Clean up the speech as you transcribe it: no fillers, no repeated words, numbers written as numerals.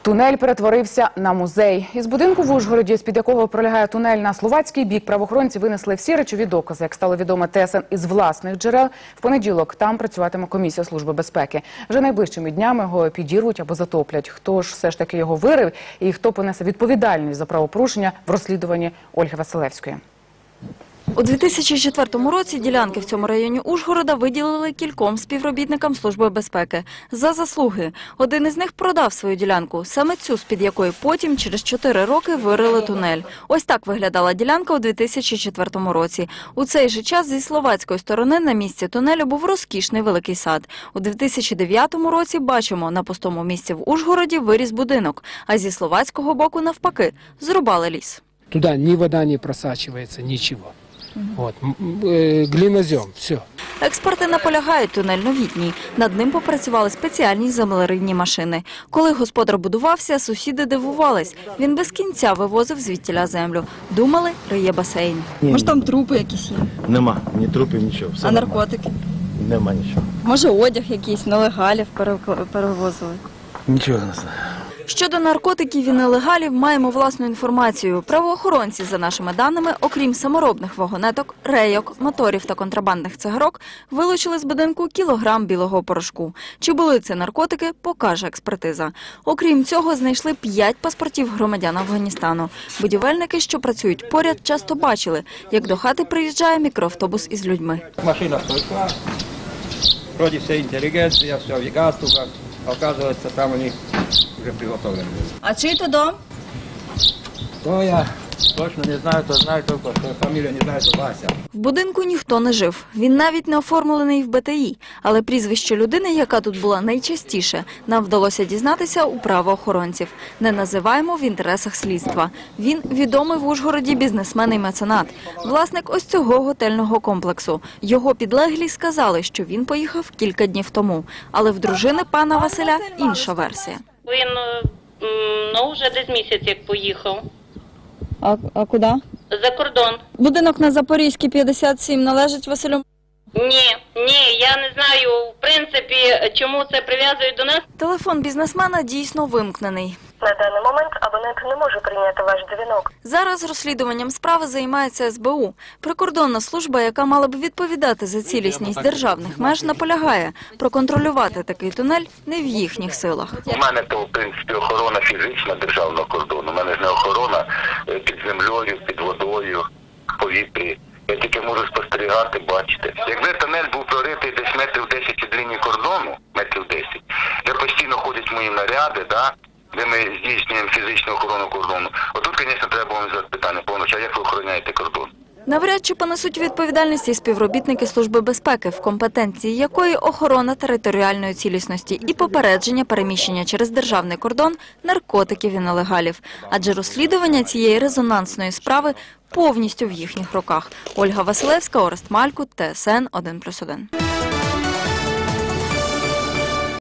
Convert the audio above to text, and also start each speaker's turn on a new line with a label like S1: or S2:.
S1: Тунель перетворився на музей. Із будинку в Ужгороді, з-під якого пролягає тунель на словацький бік, правоохоронці винесли всі речові докази. Як стало відомо ТСН із власних джерел, в понеділок там працюватиме комісія Служби безпеки. Вже найближчими днями його підірвуть або затоплять. Хто ж все ж таки його вирив і хто понесе відповідальність за правопорушення в розслідуванні Ольги Василевської.
S2: У 2004 році ділянки в цьому районі Ужгорода виділили кільком співробітникам Служби безпеки за заслуги. Один із них продав свою ділянку, саме цю, з-під якої потім через 4 роки вирили тунель. Ось так виглядала ділянка у 2004 році. У цей же час зі словацької сторони на місці тунелю був розкішний великий сад. У 2009 році, бачимо, на пустому місці в Ужгороді виріс будинок, а зі словацького боку навпаки зрубали ліс.
S3: Туда ни вода не просачивается, ничего. Вот. Глинозем, все.
S2: Експерти наполягають, тунель новітній. Над ним попрацювали спеціальні землеривні машини. Коли господар будувався, сусіди дивувались. Він без кінця вивозив звідтіля землю. Думали, риє басейн.
S4: Може там трупи якісь є?
S5: Нема, ні трупів, нічого. Все
S4: А
S5: нормально.
S4: наркотики?
S5: Нема нічого.
S4: Може одяг якийсь, нелегалів перевозили?
S5: Нічого не знаю.
S2: Щодо наркотиків і нелегалів, маємо власну інформацію. Правоохоронці, за нашими даними, окрім саморобних вагонеток, рейок, моторів та контрабандних цигарок, вилучили з будинку кілограм білого порошку. Чи були це наркотики, покаже експертиза. Окрім цього, знайшли 5 паспортів громадян Афганістану. Будівельники, що працюють поряд, часто бачили, як до хати приїжджає мікроавтобус із людьми.
S6: Машина стойка, вроде вся интеллигенция, все в галстуках, а оказывается, там у них уже приготовлено.
S4: А чий то дом?
S6: То я точно не знаю, то знаю только, что фамилию не знаю, то Вася.
S2: В будинку ніхто не жив. Він навіть не оформлений в БТІ. Але прізвище людини, яка тут була найчастіше, нам вдалося дізнатися у правоохоронців. Не називаємо в інтересах слідства. Він відомий в Ужгороді бізнесмен і меценат. Власник ось цього готельного комплексу. Його підлеглі сказали, що він поїхав кілька днів тому. Але в дружини пана Василя інша версія.
S7: Він, вже десь місяць як поїхав.
S4: А куди?
S7: За кордон.
S4: Будинок на Запорізькій, 57, належить Василю?
S7: Ні, я не знаю, в принципі, чому це прив'язують до нас.
S2: Телефон бізнесмена дійсно вимкнений.
S8: На даний момент абонент не може прийняти ваш дзвінок.
S2: Зараз розслідуванням справи займається СБУ. Прикордонна служба, яка мала б відповідати за цілісність державних меж, наполягає. Проконтролювати такий тунель не в їхніх силах.
S9: У мене то, в принципі, охорона фізична державного кордону. У мене ж не охорона під землею, під водою, в повітрі. Я тільки можу спостерігати, бачити. Якби тунель був проритий десь метрів 10 від лінії кордону, метрів 10, де постійно ходять мої наряди, де ми здійснюємо фізичну охорону кордону. Отут, звісно, треба вам задати питання повністю, а як ви охороняєте кордон?
S2: Навряд чи понесуть відповідальність і співробітники Служби безпеки, в компетенції якої охорона територіальної цілісності і попередження переміщення через державний кордон наркотиків і нелегалів. Адже розслідування цієї резонансної справи повністю в їхніх руках. Ольга Василевська, Орест Малькут, ТСН 1+1.